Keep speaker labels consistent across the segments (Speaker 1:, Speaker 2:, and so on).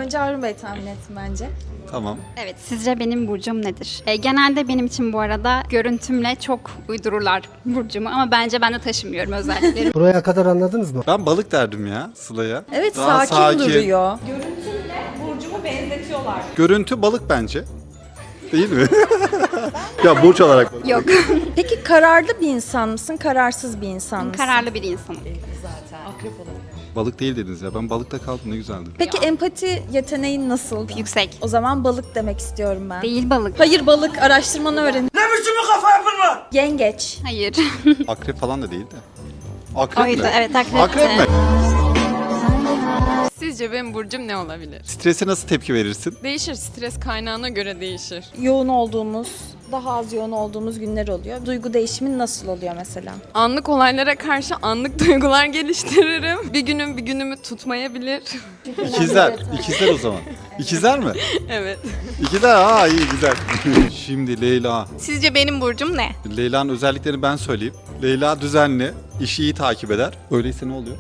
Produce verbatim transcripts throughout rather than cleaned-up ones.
Speaker 1: Önce Harun Bey tahmin etsin bence.
Speaker 2: Tamam.
Speaker 3: Evet, sizce benim burcum nedir? E, genelde benim için bu arada görüntümle çok uydururlar burcumu ama bence ben de taşımıyorum özelliklerimi.
Speaker 4: Buraya kadar anladınız mı?
Speaker 2: Ben balık derdim ya Sıla'ya.
Speaker 1: Evet,
Speaker 2: Daha
Speaker 1: sakin, duruyor.
Speaker 5: Burcumu benzetiyorlar.
Speaker 2: Görüntü balık bence. Değil mi? Ya burç olarak balık.
Speaker 3: Yok,
Speaker 1: Peki kararlı bir insan mısın, kararsız bir insan mısın?
Speaker 3: kararlı bir insanım.
Speaker 2: Balık değil dediniz ya. Ben balıkta kaldım, ne güzeldi.
Speaker 1: Peki empati yeteneğin nasıl?
Speaker 3: Yüksek.
Speaker 1: O zaman balık demek istiyorum ben.
Speaker 3: Değil balık.
Speaker 1: Hayır, balık, araştırmanı öğren. Ne biçim bir kafa yapın lan? Yengeç.
Speaker 3: Hayır.
Speaker 2: Akrep falan da değil de. Akrep
Speaker 3: Oydu,
Speaker 2: mi?
Speaker 3: evet akrepti.
Speaker 2: Akrep mi?
Speaker 5: Sizce benim burcum ne olabilir?
Speaker 2: Strese nasıl tepki verirsin?
Speaker 5: Değişir, stres kaynağına göre değişir.
Speaker 1: Yoğun olduğumuz, daha az yoğun olduğumuz günler oluyor. Duygu değişimin nasıl oluyor mesela?
Speaker 5: Anlık olaylara karşı anlık duygular geliştiririm. Bir günüm bir günümü tutmayabilir.
Speaker 2: İkizler. İkizler o zaman. İkizler mi?
Speaker 5: Evet.
Speaker 2: İkizler. Aa iyi güzel. Şimdi Leyla.
Speaker 6: Sizce benim burcum ne?
Speaker 2: Leyla'nın özelliklerini ben söyleyeyim. Leyla düzenli, işi iyi takip eder. Öyleyse ne oluyor?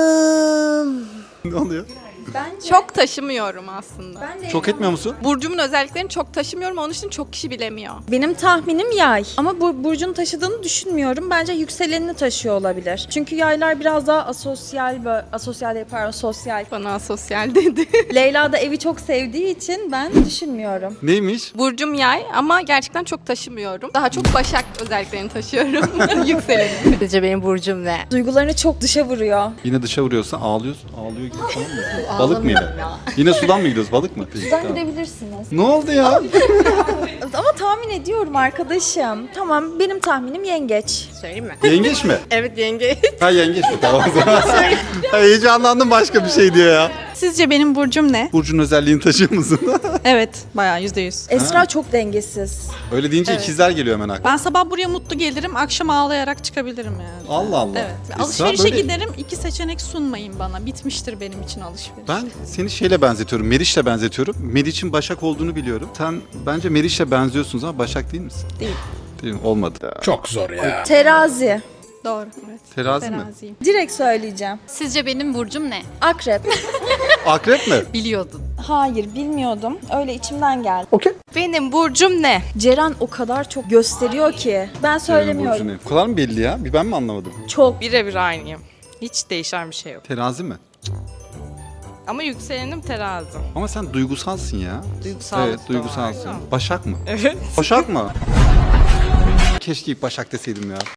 Speaker 2: Ne oluyor?
Speaker 1: Bence.
Speaker 6: Çok taşımıyorum aslında.
Speaker 1: Ben de
Speaker 2: Çok etmiyor musun?
Speaker 6: Burcumun özelliklerini çok taşımıyorum. Onun için çok kişi bilemiyor.
Speaker 1: Benim tahminim yay. Ama bu burcun taşıdığını düşünmüyorum. Bence yükselenini taşıyor olabilir. Çünkü yaylar biraz daha asosyal, böyle, asosyal değil, pardon, sosyal.
Speaker 6: Bana sosyal dedi.
Speaker 1: Leyla da evi çok sevdiği için ben düşünmüyorum.
Speaker 2: Neymiş?
Speaker 6: Burcum yay ama gerçekten çok taşımıyorum. Daha çok başak özelliklerini taşıyorum. Yükselenim.
Speaker 7: Sizce benim burcum ne?
Speaker 1: Duygularını çok dışa vuruyor.
Speaker 2: Yine dışa vuruyorsan ağlıyorsun. Ağlıyor gibi falan mı? Balık mı yine? Yine sudan mı gidiyoruz? Balık mı? Peki,
Speaker 1: Sizden
Speaker 2: tamam.
Speaker 1: gidebilirsiniz.
Speaker 2: Ne oldu ya?
Speaker 1: Ama tahmin ediyorum arkadaşım. Tamam, benim tahminim yengeç.
Speaker 7: Söyleyeyim mi?
Speaker 2: Yengeç mi?
Speaker 7: Evet yenge.
Speaker 2: Ha yengeç mi? Tamam o zaman. Ha, heyecanlandım başka bir şey diyor ya.
Speaker 8: Sizce benim burcum ne?
Speaker 2: Burcun özelliğini taşıyor musun?
Speaker 8: Evet, bayağı yüzde yüz.
Speaker 1: Esra çok dengesiz.
Speaker 2: Öyle deyince ikizler geliyor hemen aklıma.
Speaker 8: Ben sabah buraya mutlu gelirim, akşam ağlayarak çıkabilirim yani.
Speaker 2: Allah Allah.
Speaker 8: Evet.
Speaker 2: Esra
Speaker 8: Alışverişe
Speaker 2: böyle-
Speaker 8: giderim, iki seçenek sunmayın bana. Bitmiştir benim için alışveriş.
Speaker 2: Ben seni şeyle benzetiyorum, Meriç'le benzetiyorum. Meriç'in Başak olduğunu biliyorum. Sen bence Meriç'le benziyorsunuz ama Başak değil misin?
Speaker 8: Değil.
Speaker 2: Değil mi? Olmadı.
Speaker 4: Çok zor ya.
Speaker 1: Terazi.
Speaker 8: Doğru, evet.
Speaker 2: Terazi mi?
Speaker 8: Teraziyim.
Speaker 1: Direkt söyleyeceğim.
Speaker 3: Sizce benim burcum ne?
Speaker 1: Akrep.
Speaker 2: Akrep mi?
Speaker 6: Biliyordun.
Speaker 1: Hayır, bilmiyordum. Öyle içimden geldi.
Speaker 6: Benim burcum ne?
Speaker 1: Ceren o kadar çok gösteriyor ki. Ben söylemiyorum.
Speaker 2: Burcu ne? Bu kadar mı belli ya? Bir ben mi anlamadım?
Speaker 1: Çok.
Speaker 5: Birebir aynıyım. Hiç değişen bir şey yok.
Speaker 2: Terazi mi?
Speaker 5: Ama yükselenim terazi.
Speaker 2: Ama sen duygusalsın ya.
Speaker 5: Duygusal.
Speaker 2: Evet, duygusalsın. Başak mı?
Speaker 5: Evet.
Speaker 2: Başak mı? Keşke ilk Başak deseydim ya.